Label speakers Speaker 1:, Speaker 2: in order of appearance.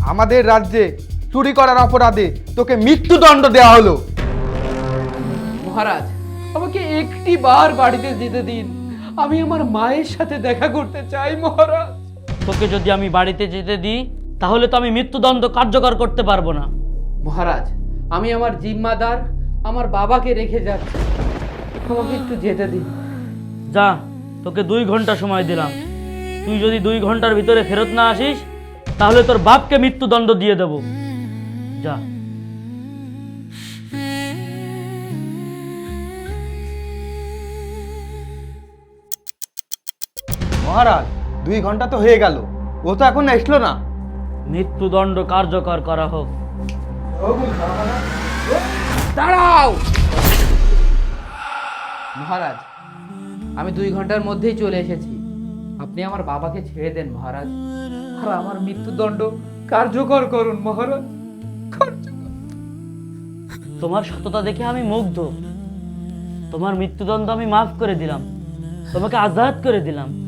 Speaker 1: আমাদের রাজ্যে চুরি করার অপরাধে তোকে মৃত্যুদণ্ড দেওয়া হলো।
Speaker 2: মহারাজ, আমাকে একটি বার বাড়িতে যেতে দিন। আমি আমার মায়ের সাথে দেখা করতে চাই মহারাজ।
Speaker 3: তোকে যদি আমি বাড়িতে যেতে দিই তাহলে তো আমি মৃত্যুদণ্ড কার্যকর করতে পারবো না।
Speaker 2: মহারাজ, আমি আমার জিম্মাদার আমার বাবাকে রেখে যাচ্ছি, আমাকে একটু যেতে দিন।
Speaker 3: যা, তোকে 2 ঘন্টা সময় দিলাম। তুই যদি 2 ঘন্টার ভিতরে ফেরত না আসিস তাহলে তোর বাপকে মৃত্যুদণ্ড দিয়ে দেব। যা।
Speaker 1: মহারাজ 2 ঘন্টা তো হয়ে গেল, ও তো এখন আসলো না।
Speaker 3: মৃত্যুদণ্ড কার্যকর করা হোক।
Speaker 2: দাঁড়াও মহারাজ, আমি 2 ঘন্টার মধ্যেই চলে এসেছি। আপনি আমার বাবাকে ছেড়ে দেন মহারাজ, আর আমার মৃত্যুদণ্ড কার্যকর করুন মহারাজ।
Speaker 3: তোমার সততা দেখে আমি মুগ্ধ। তোমার মৃত্যুদণ্ড আমি মাফ করে দিলাম, তোমাকে আজাদ করে দিলাম।